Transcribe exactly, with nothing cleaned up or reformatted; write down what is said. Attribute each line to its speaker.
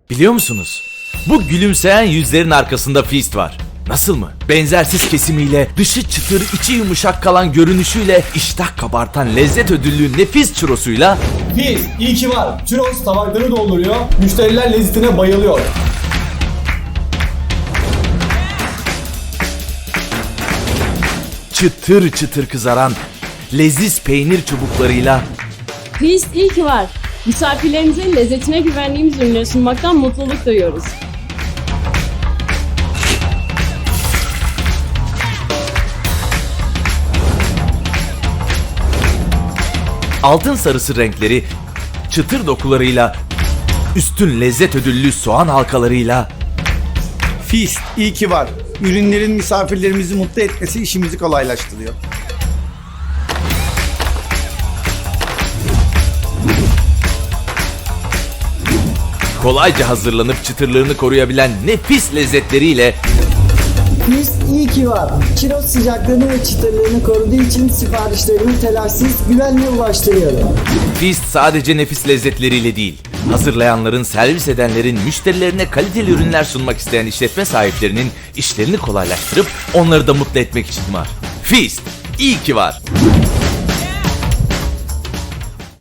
Speaker 1: Biliyor musunuz? Bu gülümseyen yüzlerin arkasında Feast var. Nasıl mı? Benzersiz kesimiyle, dışı çıtır, içi yumuşak kalan görünüşüyle, iştah kabartan lezzet ödüllü nefis churrosuyla
Speaker 2: Feast iyi ki var. Churros tabakları dolduruyor. Müşteriler lezzetine bayılıyor.
Speaker 1: çıtır çıtır kızaran leziz peynir çubuklarıyla
Speaker 3: Feast iyi ki var. Misafirlerimize lezzetine güvendiğimiz ürünleri sunmaktan mutluluk duyuyoruz.
Speaker 1: altın sarısı renkleri, çıtır dokularıyla, üstün lezzet ödüllü soğan halkalarıyla
Speaker 4: Feast iyi ki var. Ürünlerin misafirlerimizi mutlu etmesi işimizi kolaylaştırıyor.
Speaker 1: kolayca hazırlanıp çıtırlığını koruyabilen nefis lezzetleriyle
Speaker 5: Feast iyi ki var. Churros sıcaklığını ve çıtırlığını koruduğu için siparişlerimi telaşsız, güvenle ulaştırıyorum.
Speaker 1: Feast sadece nefis lezzetleriyle değil, hazırlayanların, servis edenlerin, müşterilerine kaliteli ürünler sunmak isteyen işletme sahiplerinin işlerini kolaylaştırıp onları da mutlu etmek için var. Feast iyi ki var.